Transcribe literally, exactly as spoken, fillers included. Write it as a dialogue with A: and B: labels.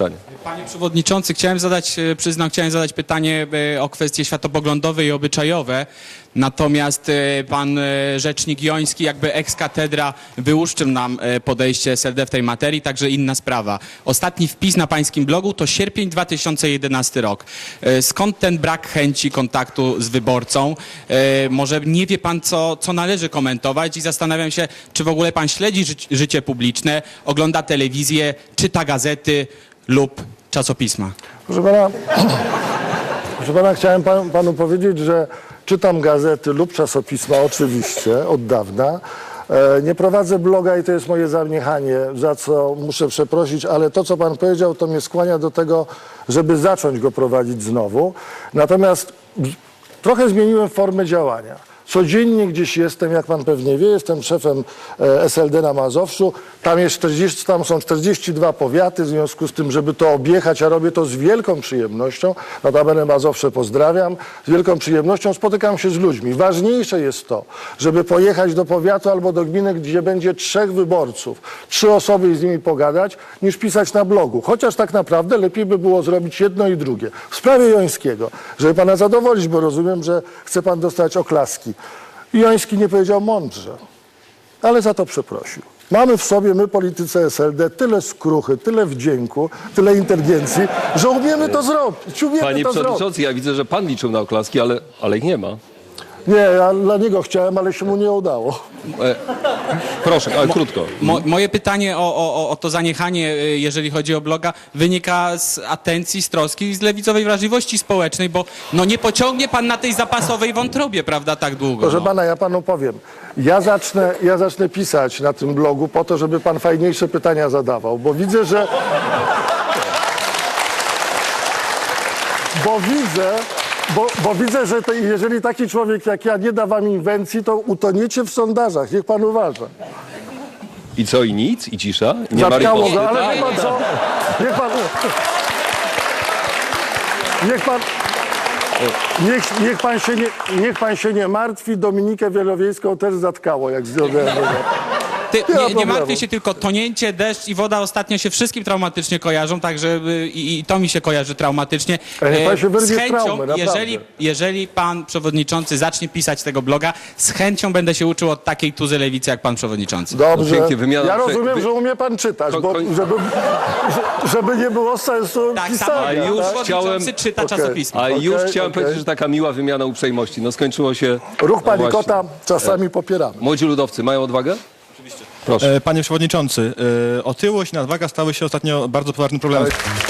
A: pytanie.
B: Panie Przewodniczący, chciałem zadać, e, przyznam, chciałem zadać pytanie e, o kwestie światopoglądowe i obyczajowe. Natomiast e, pan e, rzecznik Joński, jakby ex cathedra, wyłuszczył nam e, podejście S L D w tej materii, także inna sprawa. Ostatni wpis na pańskim blogu to sierpień dwa tysiące jedenasty rok. E, skąd ten brak chęci kontaktu z wyborcą? E, może nie wie pan, co, co należy komentować i zastanawiam się, czy w ogóle pan śledzi ży życie publiczne, ogląda telewizję, czyta gazety lub czasopisma.
C: Proszę pana, proszę pana chciałem pan, panu powiedzieć, że czytam gazety lub czasopisma oczywiście od dawna. E, nie prowadzę bloga i to jest moje zaniechanie, za co muszę przeprosić, ale to, co pan powiedział, to mnie skłania do tego, żeby zacząć go prowadzić znowu. Natomiast trochę zmieniłem formę działania. Codziennie gdzieś jestem, jak pan pewnie wie, jestem szefem S L D na Mazowszu. Tam, jest czterdzieści, tam są czterdzieści dwa powiaty, w związku z tym, żeby to objechać, a robię to z wielką przyjemnością. Notabene Mazowsze pozdrawiam. Z wielką przyjemnością spotykam się z ludźmi. Ważniejsze jest to, żeby pojechać do powiatu albo do gminy, gdzie będzie trzech wyborców, trzy osoby i z nimi pogadać, niż pisać na blogu. Chociaż tak naprawdę lepiej by było zrobić jedno i drugie. W sprawie Jońskiego, żeby pana zadowolić, bo rozumiem, że chce pan dostać oklaski. Joński nie powiedział mądrze, ale za to przeprosił. Mamy w sobie, my politycy S L D, tyle skruchy, tyle wdzięku, tyle inteligencji, że umiemy to zrobić. Umiemy
A: Panie
C: to
A: Przewodniczący,
C: zrobić.
A: ja widzę, że pan liczył na oklaski, ale, ale ich nie ma.
C: Nie, ja dla niego chciałem, ale się mu nie udało.
A: E, proszę, ale krótko.
B: Mo, moje pytanie o, o, o to zaniechanie, y, jeżeli chodzi o bloga, wynika z atencji, z troski i z lewicowej wrażliwości społecznej, bo no nie pociągnie pan na tej zapasowej wątrobie, prawda, tak długo.
C: Proszę
B: No.
C: pana, ja panu powiem. Ja zacznę, ja zacznę pisać na tym blogu po to, żeby pan fajniejsze pytania zadawał, bo widzę, że... Bo widzę, bo, bo widzę, że to, jeżeli taki człowiek jak ja nie da wam inwencji, to utoniecie w sondażach. Niech pan uważa.
A: I co, i nic? I cisza? I nie ma
C: Zatkało
A: riposty?
C: go, ale wie pan co? Niech pan... Niech pan... Niech, niech, pan się nie, niech pan się nie martwi, Dominikę Wielowiejską też zatkało, jak zdjąłem.
B: Ty,
C: Nie ma
B: nie, nie
C: problemu.
B: martwię się, tylko tonięcie, deszcz i woda ostatnio się wszystkim traumatycznie kojarzą, także y, i, i to mi się kojarzy traumatycznie.
C: Ale niech pan się
B: E,
C: wyrwie
B: z
C: z
B: chęcią,
C: traumy, naprawdę.
B: jeżeli, jeżeli pan przewodniczący zacznie pisać tego bloga, z chęcią będę się uczył od takiej tuzy lewicy jak pan przewodniczący.
C: Dobrze.
A: No pięknie, wymiana-
C: Ja rozumiem,
A: wy-
C: że umie pan czytać,
A: Koń-
C: bo
A: koń-
C: żeby, żeby nie było sensu
B: Tak,
C: pisania.
B: samo
A: A już
C: tak?
B: przewodniczący
A: chciałem-
B: czyta
C: Okej.
B: czasopismo.
A: A już
C: Okej,
A: chciałem
C: okej.
A: powiedzieć, że taka miła wymiana uprzejmości. No skończyło się...
C: Ruch
A: no właśnie.
C: panikota czasami popieramy.
A: Młodzi ludowcy mają odwagę? Proszę.
D: E, Panie Przewodniczący, e, otyłość i nadwaga stały się ostatnio bardzo poważnym problemem.